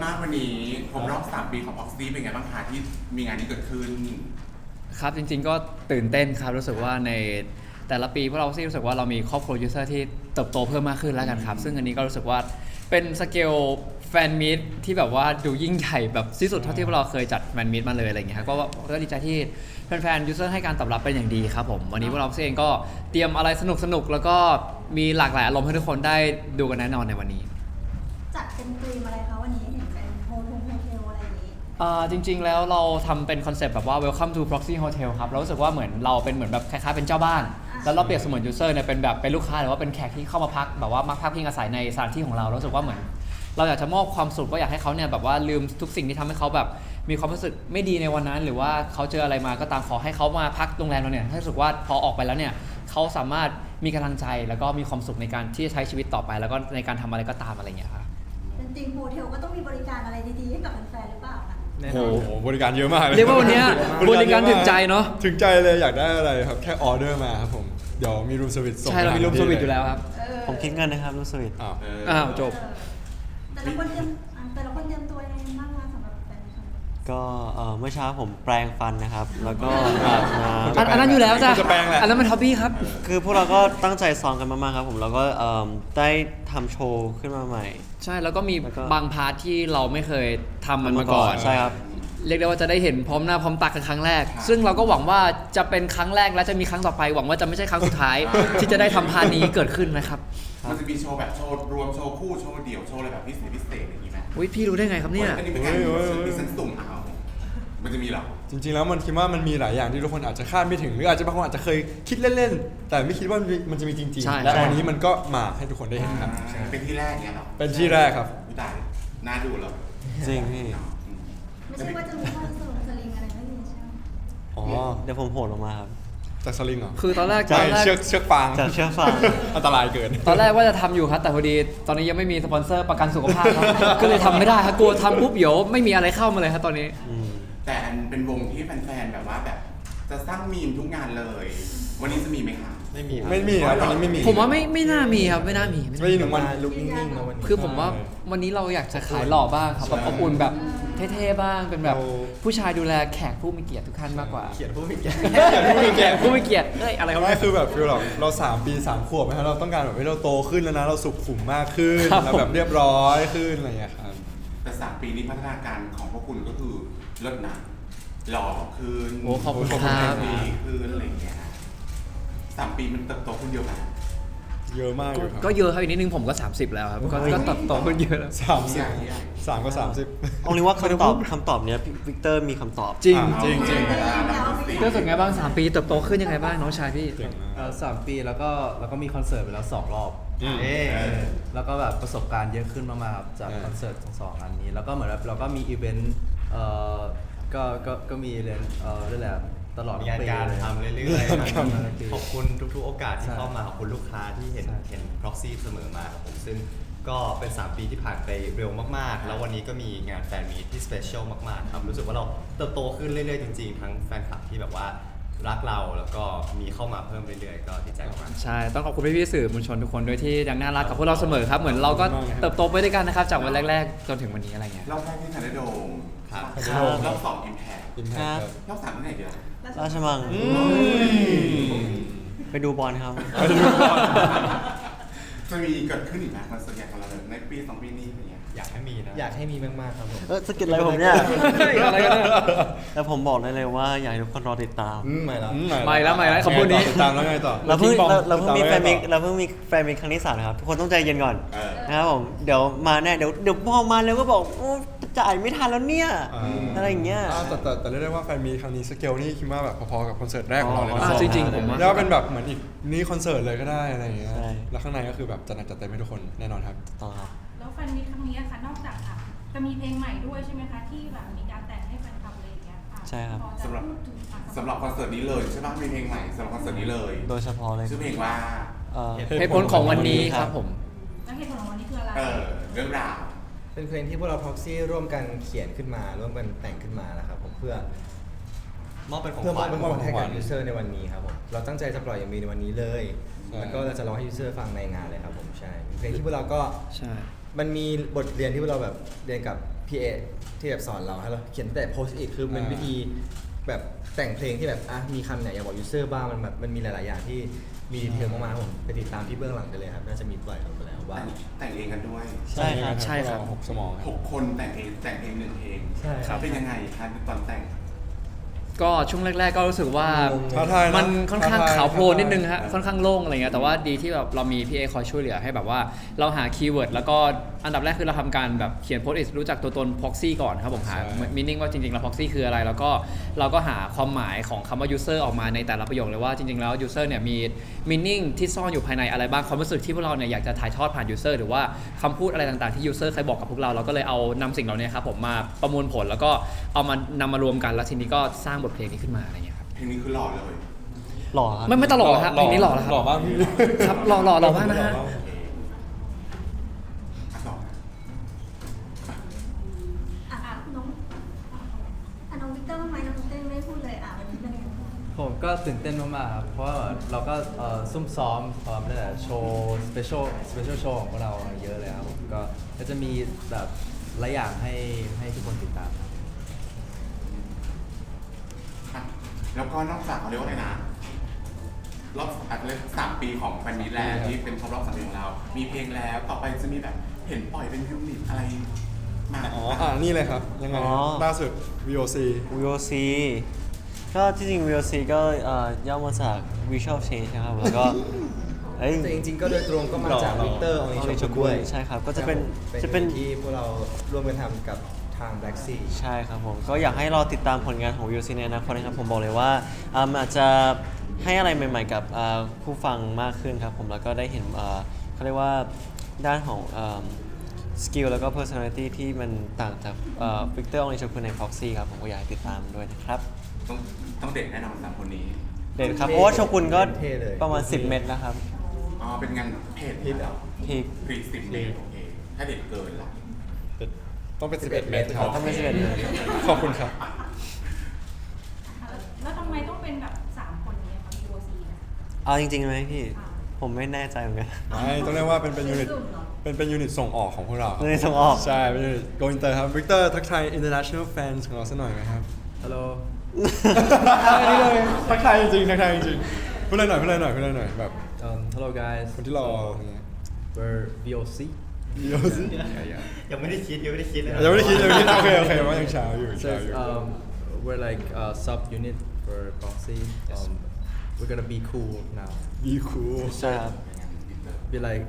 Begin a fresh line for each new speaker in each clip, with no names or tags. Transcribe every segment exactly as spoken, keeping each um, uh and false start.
มากวันนี้ผมรอบสามปีของ Proxy เป็นไงบ้างคะที่มีงานนี้เกิดขึ้น
ครับจริงๆก็ตื่นเต้นครับรู้สึกว่าในแต่ละปีพวกเราซี่รู้สึกว่าเรามีครอบครัวยูเซอร์ที่เติบโตเพิ่มมากขึ้นแล้วกันครับซึ่งอันนี้ก็รู้สึกว่าเป็นสเกลแฟนมีตที่แบบว่าดูยิ่งใหญ่แบบที่สุดเท่าที่พวกเราเคยจัดแฟนมีตมาเลยอะไรอย่างเงี้ยครับก็ก็ดีใจที่แฟนๆยูเซอร์ให้การตอบรับเป็นอย่างดีครับผมวันนี้พวกเราเองก็เตรียมอะไรสนุกๆแล้วก็มีหลากหลายอารมณ์ให้ทุกคนได้ดูกันแน่นอนในวันนี้
จัดเป็นธีมอะไรคะวันนี้เห็นเป็นโฮเทลโฮเทลอะไรอย่างนี้
อ่าจริงๆแล้วเราทำเป็นคอนเซปต์แบบว่า welcome to proxy hotel ครับเรารู้สึกว่าเหมือนเราเป็นเหมือนแบบคล้ายๆเป็นเจ้าบ้านแล้วเราเปรียบเสมือน user เนี่ยเป็นแบบเป็นลูกค้าหรือว่าเป็นแขกที่เข้ามาพักแบบว่ามาพักพิงอาศัยในสถานที่ของเรารู้สึกว่าเหมือนเราอยากจะมอบความสุขว่าอยากให้เขาเนี่ยแบบว่าลืมทุกสิ่งที่ทำให้เขาแบบมีความรู้สึกไม่ดีในวันนั้นหรือว่าเขาเจออะไรมาก็ตามขอให้เขามาพักโรงแรมเราเนี่ยให้รู้สึกว่าพอออกไปแล้วเนี่ยเขาสามารถมีกำลังใจแล้วก็มีความสุขในการที่จะใช้ชีวิตต่อไปแล้วก็ในการทำอะไรก็ตามอะไรอย่างเงี้ยครับ
เป็นธีมโฮเทลก็ต้องมีบริการอะไรดีๆให้กับแฟนๆหรือเปล่าคะ
โอ้โหบริการเยอะมากเลย
เรียกว่าวันนี้บริการถึงใจเนาะ
ถึงใจเลยอยากได้อะไรครับแค่ออเดอร์มาครับผมเดี๋ยวมีรูมสวิตส่ง
ใช่เรามีรูมสวิตอยู่แล้วครับ
ผมคิดเงินนะครับรูมสวิต
อ้าว
อ้าวจบ
แต่ละคนเตรียมแต่ละคนเตรียมตัวยังไงบ้างคะสำหรับแฟนๆ
ก็เมื่อเช้าผมแปรงฟันนะครับแล้วก็อาบน้ำ
อันนั้นอยู่แล้วจ้ะอันนั้นมันท็อปปี้ครับ
คือพวกเราก็ตั้งใจซ้อมกันมากๆครับผมแล้วก็ได้ทำโชว์ขึ้นมาใหม่
ใช่แล้วก็มีบางพาร์ทที่เราไม่เคยทำมันมาก่อน
ใช่ครับ
เรียกได้ว่าจะได้เห็นพร้อมหน้าพร้อมตากันครั้งแรกซึ่งเราก็หวังว่าจะเป็นครั้งแรกและจะมีครั้งต่อไปหวังว่าจะไม่ใช่ครั้งสุดท้ายที่จะได้ทำพาร์ทนี้เกิดขึ้นนะครับ
มันจะมีโชว์แบบโชว์รวมโชว์คู่โชว์เดี่ยวโชว์อะไรแบบพิเศษพิเศษอย่างนี้ไหม
อุ้ยพี่รู้ได้ไงครับเนี่ย
อันนี้เป็นการมีเซนส์สุ่มเอามันจะมีหรอ
จริงๆแล้วมันคิดว่ามันมีหลายอย่างที่ทุกคนอาจจะคาดไม่ถึงหรืออาจจะบางคนอาจจะเคยคิดเล่นๆแต่ไม่คิดว่ามันจะมีจริงๆและวันนี้มันก็มาให้ทุกคนได้เห็นครับ
เป็นที่แรกเนี่ยหรอ
เป็นที่แรกครับ
ตายน่าดูแล้ว
จริงพี่
ไม่ใช่ว่าจะมีข้อสรุปสลิงอะไรไม่มีใช่ไหม
อ๋อเดี๋ยวผมโหดลงมาครับ
จากสลิงเหรอ
คือตอนแรก
ใช่เชือกเชือกฟาง
จากเชือกฟาง
อันตรายเกิน
ตอนแรกว่าจะทำอยู่ครับแต่พอดีตอนนี้ยังไม่มีสปอนเซอร์ประกันสุขภาพครับก็เลยทำไม่ได้ครับกลัวทำปุ๊บเดี๋ยวไม่มีอะไรเข้ามาเลยครับตอนนี้
แต่อันเป็นวงที่แฟนๆแบบว่าแบบจะสร้างมีมทุกงานเลยวันนี้จะมีไหมคะ
ไม่มีไม่มีครับวันนี้ไม่มี
ผมว่าไม่ไม่น่ามีครับไม่น่ามี
ไม่มีหนึ่งวันลุกนิ่งๆ
นะวันนี้คือผมว่าวันนี้เราอยากจะขายหล่อบ้างครับแบบอบอุ่นแบบเท่ๆบ้างเป็นแบบผู้ชายดูแลแขกผู้มีเกียรติทุกท่านมากกว่า
เกียรติผู้มีเกียรติ
ผู้มีเกียรติผู้มีเกียรติเอ้ยอะไร
ไม่คือแบบฟีลเราเราสามปีสามขวบนะครับเราต้องการแบบให้เราโตขึ้นแล้วนะเราสุขุมมากขึ้นเราแบบเรียบร้อยขึ้นอะไรอย่างเงี้ยครับ
แต่สามปีนี้พัฒนาการของพวกคุณก็คือลดหนักหล่อขึ้น
โอ้ขอบคุณครับ
ดีขึ้นอะไรอย่างเงี้ยสามปีมันเติบโตขึ้นเยอะไหม
เยอะมากเลย
ก็เยอะครับอีกนิดนึงผมก็สามสิบแล้วครับก็เติบโตขึ้นเยอะแล้ว
สามสิบสามก็สามสิบ
เอาเลยว่าคำตอบคำตอบเนี้ยวิกเตอร์มีคำตอบ
จริง
จริงจริง
ก็รู้สึกไงบ้างสามปีเติบโตขึ้นยังไงบ้างน้องชายพี่
สามปีแล้วก็แล้วก็มีคอนเสิร์ตไปแล้วสองรอบเออแล้วก็แบบประสบการณ์เยอะขึ้นมากๆครับจากคอนเสิร์ตทั้งสองอันนี้แล้วก็เหมือนแบบเราก็มีอีเวนต์เอ่อก็ก็ก็มีเรียนเอ่อเรื่องแหละตลอด
งานการทำเรื่อยๆขอบคุณทุกๆโอกาสที่เข้ามาขอบคุณลูกค้าที่เห็นเห็น proxy เสมอมาครับผมซึ่งก็เป็นสามปีที่ผ่านไปเร็วมากๆแล้ววันนี้ก็มีงานแฟนมีตที่ special มากๆครับรู้สึกว่าเราเติบโตขึ้นเรื่อยๆจริงๆทั้งแฟนคลับที่แบบว่ารักเราแล้วก็มีเข้ามาเพิ่มเรื่อยๆก็ดีใจมาก
ใช่ต้องขอบคุณพี่ๆสื่อมวลชนทุกคนด้วยที่ยังน่ารักกับพวกเราเสมอครับเหมือนเราก็เติบโตไปด้วยกันนะครับจากวันแรกๆจนถึงวันนี้อะไรเงี้ย
รอบแรกที่ทันได้โดม
ครับ
รอบสองอิมแพครอบสามที่ไหนเดียว
ราชมังไปดูบอลครับ
จะมีเกิดขึ้นอีกไหมคอนเสิร์ตใหญ่ของเราในปีสองปีนี้อะไรเงี้ย
อยากให้มีนะ
อยากให้มีมากๆครับผม
เออสกิลอะไรผมเนี่ยอะไรกันแต่ผมบอกได้เลยว่าอยากให้ทุกคนรอติดตาม
ไม่แล้ว
ไม่แล้วไม่แล้วคำพูดนี้
ติดตามแล้วไงต่อ
เราเพิ่งเราเพิ่งมีแฟนมิกเราเพิ่งมีแฟนมิกครั้งที่สามนะครับทุกคนต้องใจเย็นก่อนนะครับผมเดี๋ยวมาแน่เดี๋ยวเดี๋ยวพอมาแล้วก็บอกจ่ายไม่ทันแล้วเนี่ยอะไรอย่างเงี้ย
แต่แต่แต่เรียกได้ว่าแฟนมีครั้งนี้สเกลนี่คิดว่าแบบพอๆกับคอนเสิร์ตแรกของเราเลยนะ
จริงๆผมว่า
แล้วเป็นแบบเหมือนอีกนี่คอนเสิร์ตเลยก็ได้อะไรอย่างเงี้ยแล้วข้างในก็คือแบบจัดหนักจัดเต็มให้ทุกคนแน่นอนครับ
ต่อครับ
แล้วแฟนมีครั้งนี้ค่ะนอกจากค่ะจะมีเพลงใหม่ด้วยใช่ไหมคะที่แบบมีการแต่งให้แฟนคลับอะไรอย่างเงี้ย
ใช่ครับ
สำหรับสำหรับคอนเสิร์ตนี้เลยใช่ไหมมีเพลงใหม่สำหรับคอนเสิร์ตนี้เลย
โดยเฉพาะเลย
ชื่อเพลงว่า
เหตุผลของวันนี้ครับผม
แล้วเหตุผลของวันนี้คืออะไร
เออเรื่องราว
เป็นเพลงที่พวกเรา proxy ร่วมกันเขียนขึ้นมาร่วมกันแต่งขึ้นมานะครับผมเพื่อ
มอบเป็นของ
เพื่อ
มอบเป็น
ของขวัญให้กับ user ในวันนี้ครับผมเราตั้งใจจะปล่อยอย่างมีในวันนี้เลยแล้วก็เราจะร้องให้ user ฟังในงานเลยครับผมใช่เพลงที่พวกเราก็
ใช่
มันมีบทเรียนที่เราแบบเรียนกับพี่เอที่แบบสอนเราให้เราเขียนแต่โพสต์อีกคือมันวิธีแบบแต่งเพลงที่แบบอ่ะมีคำไหนอยากบอกยูเซอร์บ้างมันแบบมันมีหลาย ๆ อย่างที่มีดีเทลมากๆผมไปติดตามที่เบื้องหลังได้เลยครับน่าจะมีปล่อยลงไปแล้วว่า
แต่งเองกันด้วย
ใช่ครับ
ใช่ครับ
หกสมอง
หกคนแต่งเองแต่งเองหนึ่งเพลง
ใช่ครับ
เป็นยังไงคะตอนแต่ง
ก็ช่วงแรก ๆ ก็รู้สึกว่า
ท้าทายะ
มันค่อนข้าง
ท้ทย
ขาวโพลนนิดนึงฮะค่อนข้างโล่งอะไรเงี้ยแต่ว่าดีที่แบบเรามีพี่เอคอยช่วยเหลือให้แบบว่าเราหาคีย์เวิร์ดแล้วก็อันดับแรกคือเราทำการแบบเขียนโพสต์อิทรู้จักตัวตน proxy ก่อนครับผมหา
ใช่
มีนิ่งว่าจริงๆแล้ว proxy คืออะไรแล้วก็เราก็หาความหมายของคำว่า user ออกมาในแต่ละประโยคเลยว่าจริงๆแล้ว user เนี่ยมี meaning ที่ซ่อนอยู่ภายในอะไรบ้างความรู้สึกที่พวกเราเนี่ยอยากจะถ่ายทอดผ่าน user หรือว่าคำพูดอะไรต่างๆที่ user เคยบอกกับพวกเราเราก็เลยเอานำสิ่งเหล่านี้ครับผมมาประมวลผลแล้วก็เอามานำมารวมกันแล้วทีนี้ก็สร้างบทเพลงนี้ขึ้นมาอะไรเงี้ยครับ
เพลงนี้คือหล่อเลย
หล่อครับ
ไม่ไม่ตลกนะฮะเพลงนี้หล่อแล้วครับ
หล่อมากพี่
ครับหล่อหล่อหล่อมากนะฮะ
อ่ะต่อ
อ่ะอ่ะน้องอ่ะน้องวิกเตอร์ทำไมน้องวิกเตอร์ไม่ได้พูดเลยอ่ะวันนี้เป็นยังไงบ้าง
ผมก็ตื่นเต้นมากๆครับเพราะว่าเราก็เอ่อซุ่มซ้อมเอ่อนั่นแหละโชว์สเปเชียลสเปเชียลโชว์ของพวกเราเยอะเลยครับผมก็ก็จะมีแบบหลายอย่างให้ให้ทุกคนติดตาม
อ่ะแล้วก็นอกจากเขาเรียกว่าอะไรนะรอบอาจจะเรียกสามปีของแฟนมิตรแล้วที่เป็นครบรอบสามปีของเรา มีเพลงแล้วต่อไปจะมีแบบเห็นปล่อยเป็นยูนิตอะไรมา
อ๋ออ่านี่เลยครับ ยังไง
อ๋อ
ล่าสุด วี โอ ซี
วี โอ ซี ก็ที่จริง วี โอ ซี ก็เอ่อย่อมาจาก Visual Change นะครับแล้วก็เอ้ย
แต่จริง ๆ ก็โดยตรงก็มาจาก
หล่อ
วิกเตอร์ออ
อ
นิ
อนิ
ช
ช
กุ
กุ
ล
ล
ด้วย
ใช่ครับก็จะเป็น
จะ
จะ
เป็
เป็น น
ที่พวกเราร่วมกันทำกับทาง Black Sea
ใช่ครับผมก็อยากให้รอติดตามผลงานของ วี โอ ซี ในอนาคตนะครับผมบอกเลยว่าอ่ามันอาจจะให้อะไรใหม่ๆกับอ่าผู้ฟังมากขึ้นครับผมแล้วก็ได้เห็นอ่าเขาเรียกว่าด้านของสกิลแล้วก็ personality ที่มันต่างจากวิกเตอร์ออนิชกุลใน Proxy ครับผมก็อยากให้ติดตามด้วยนะครับ
ต้องต้องเด็ดแน่นอนสามคนนี้
เด่นครับเพราะว่าโชกุนก็
เท่เลย
ประมาณ สิบ เม็ดนะครับ
อ๋อเป็นงานเพจ
ฮิตเหรอ
พีค
พรีสิบเมตรโอเคถ้าเด็ดเกินล่ะ
ต้องเป็น สิบเอ็ด เมตรครับ
ต้องเป็นสิบเอ็ดเมตร
ขอบคุณครับ
อ่ะแล้วทำไมต้องเป็นแบบสามคนนี้คะ วี โอ ซี นะ
เอาจริงๆไหมพี่ ผมไม่แน่ใจเหมือนกัน
ไม่ต้องเรียกว่าเป็นเป็นยูนิต
สุ่มเหรอ
เป็นเป็นยูนิตส่งออกของพวกเรา
ยูนิตส่งออก
ใช่ เป็นยูนิต Go Inter ครับ วิกเตอร์ทักทาย international fans ของเราสักหน่อยไหมครับ
ฮัลโหล
อันนี้เลยทักทายจริงๆทักทายจริงๆพูดเลยหน่อยพูดเลยหน่อยพูดเลยหน่อยแบบ
um hello guys
คนที่รออย่างเงี้ย
we're วี โอ ซี
เดี๋ยวสิ
ยังไม่ได้คิดยังไม่ได้คิดเลย
ยังไม่ได้คิดยังไม่ได้คิดโอเคโอเคว่ายังเช้าอยู่
So
เช้าอยู่
um, we're like a sub unit for Proxy. Um, we're gonna be cool now.
ดีคูล
ใช่ครับ
Be like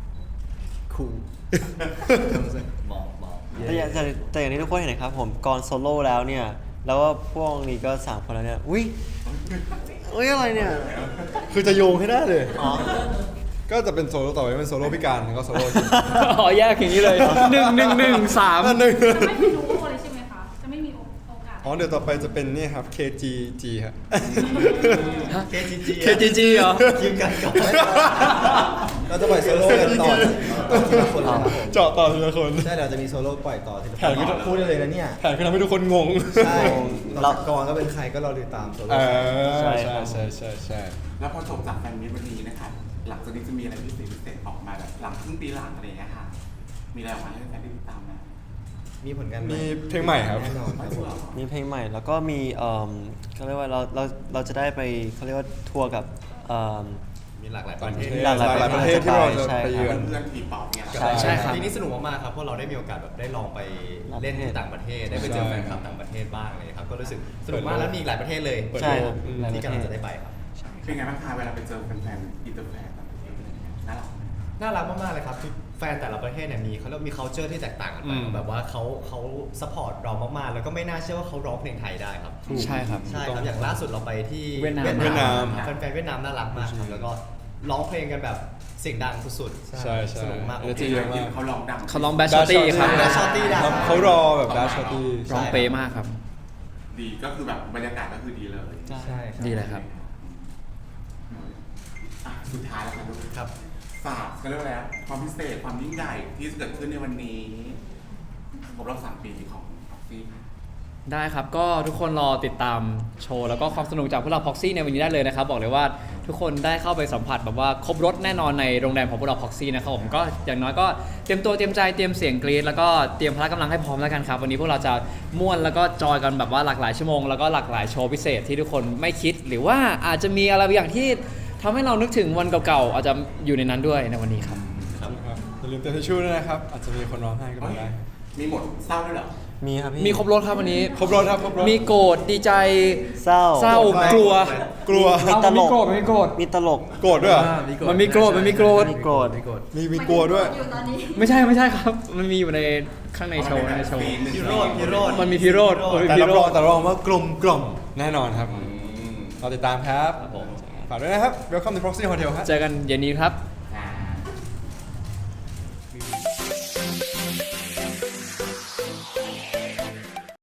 cool. You know what I'm saying?
มองมอง
แต่อย่างแต่แต่อย่างที่ทุกคนเห็นนะครับผมก่อนโซโล่แล้วเนี่ย แล้วก็พวกนี้ก็สามคนแล้วเนี่ย อุ้ยอุ้ยอะไรเนี่ย
คือจะโยงให้ได้เลย
อ๋อ
ก็จะเป็นโซโล่ต่อไปเป็นโซโล่พิการแล้วก็โซโล่
อ๋อแยกอย่างนี้เลยหนึ่งหนึ่งหนึ่งสาม
อันหนึ่ง
จะไม่มีรู้เลยใช่ไหมคะ จะไม่มีโอกาส
อ๋อเดี๋ยวต่อไปจะเป็นนี่ครับ เค จี จี ครับ
เคจีจี
เคจีจีเหรอ
คิวกันก่อน
เราจะปล่อยโซโล่กันต่อต่อทีละคนเลยครับผม
เจาะต่อทีละคน
ใช่เราจะมีโซโล่ปล่อยต่อทีละ
แผนก็
คนพูดได้เลยนะเนี่ย
แผนคือทำให้ทุกคนงง
ใช่
เรา
เรากรก็เป็นใครก็รอติดตามโซโล่
เออ
ใช่
ใช่
ครับ
ใช่ใช่ใช่
แล้วพอจบจากแฟนมิตรวันนี้นะคะหลังจากนี้จะมีอะไรพิเศษพิเศษออกมาแบบหลังครึ่งปีหลังอะไรอย่างเงี้ยค่ะ มีอะไรออกมาให้แฟนได้ติดตามไหม
มีผลงานให
มีเพลงใหม่ครับ
แน่นอนครับผม
มีเพลงใหม่แล้วก็มีเอ่อเขาเรียกว่าเราเราเราจะได้ไปเขาเรียกว่าทัวร์กับเอ่อ
มีหลากหลายป
ต่าง
ระ
ป
เท
ระ
ศ
เทศ
หลากหลาย
หลายประเทศที่เราจะ
ใช่
ไปเยือน
เพื่อนทีป๊อปเนี่ย
ใช่
ใช่ครับ
ปีนี้สนุกมากๆครับเพราะเราได้มีโอกาสแบบได้ลองไปเล่นที่ต่างประเทศ ได้ไปเจอแฟนคลับต่างประเทศบ้างเลยครับก็รู้สึกสนุกมากแล้วมีอีกหลายประเทศเลย
ใช่ครับหลายป
ที่
ระ
กำ
เท
ลัง
ศ
จะได้ไปครับ
เป็นไงบ้างคะเวลาไปเจอแฟนๆอินเตอร์แฟนต่างประเทศอะไรอย่างเงี้ยน่ารักไหม
น่ารักมากๆเลยครับคือแฟนแต่ละประเทศเนี่ยมีเขาเรียกมี culture ที่แตกต่างกันไป
อืม
แบบว่าเขาเขา support เรามากๆ แล้วก็ไม่น่าเชื่อว่าเขาร้องเพลงไทยได้ครับ
ใช่ครับ
ใช่ครับอย่างล่าสุดเราไปที่
เวียดนาม
เวียดนาม
แฟนๆเวียดนามน่ารักมากครับแล้วก็ร้องเพลงกันแบบเสียงดังสุดๆ
ใช่ใช่
สนุกมาก
เอเนอร์จีเยอะมาก
เขาลองดัง
เขาลองแบชชอตตี้ครับ
Bash Shorty ดัง
เขาเขารอแบบดัชชอตตี้
ร้องเป๊ะมากครับ
ดีก็คือแบบบรรยากาศก็คือดีเลย
ใช่ครับ
ดีเลยครับ
อ่ะสุดท้ายแล้วครับลูก
ครับ
ฝากกันเรื่องแล้วความพิเศษความยิ่งใหญ่ที่จะเกิดขึ้นในวันนี้ครบรอบสามปีของ Proxy ค่ะ
ได้ครับก็ทุกคนรอติดตามโชว์แล้วก็ความสนุกจากพวกเรา Proxy ในวันนี้ได้เลยนะครับบอกเลยว่าทุกคนได้เข้าไปสัมผัสแบบว่าครบรถแน่นอนในโรงแรมของพวกเรา Proxy นะครับผมก็อย่างน้อยก็เตรียมตัวเตรียมใจเตรียมเสียงกรี๊ดแล้วก็เตรียมพละกำลังให้พร้อมแล้วกันครับวันนี้พวกเราจะม่วนแล้วก็จอยกันแบบว่าหลากหลายชั่วโมงแล้วก็หลากหลายโชว์พิเศษที่ทุกคนไม่คิดหรือว่าอาจจะมีอะไรบางอย่างที่ทำให้เรานึกถึงวันเก่าๆอาจจะอยู่ในนั้นด้วยในวันนี้ครับ
ครับอย่าลืมเติมทิชชู่ด้วยนะครับ อาจจะมีคนร้องไห้ก็มาได้
มีหมดเศร้าด้วยเหรอ
มีครับพี่
มีครบรถครับวันนี้
ครบรถครับครบรถ
มีโกรธดีใจ
เศร้า
เศร้ากลัว
กลัว
มีตลก
มันมีโกรธ
มีตลก
โกรธด้วยเหรอ
อ่า
มันมีโกรธมันมีโกรธ
มีโกรธ
มีโกรธ
มีมีกลัวด้วย
อยู่ตอนนี้
ไม่ใช่ไม่ใช่ครับ มันมีอยู่ในข้างในโชว์ในโชว์
พิโรธพิโรธ
มันมีพิโรธมันมี
แต่
พิ
รับ
โร
รอง
ธ
แต่รับรองว่ากลมกล่อมแน่นอนครับ
อืม
รอติดตามครับฝากด้วยนะครับ Welcome to Proxy Hotel ครับ
เจอกันเย็นนี้ครับ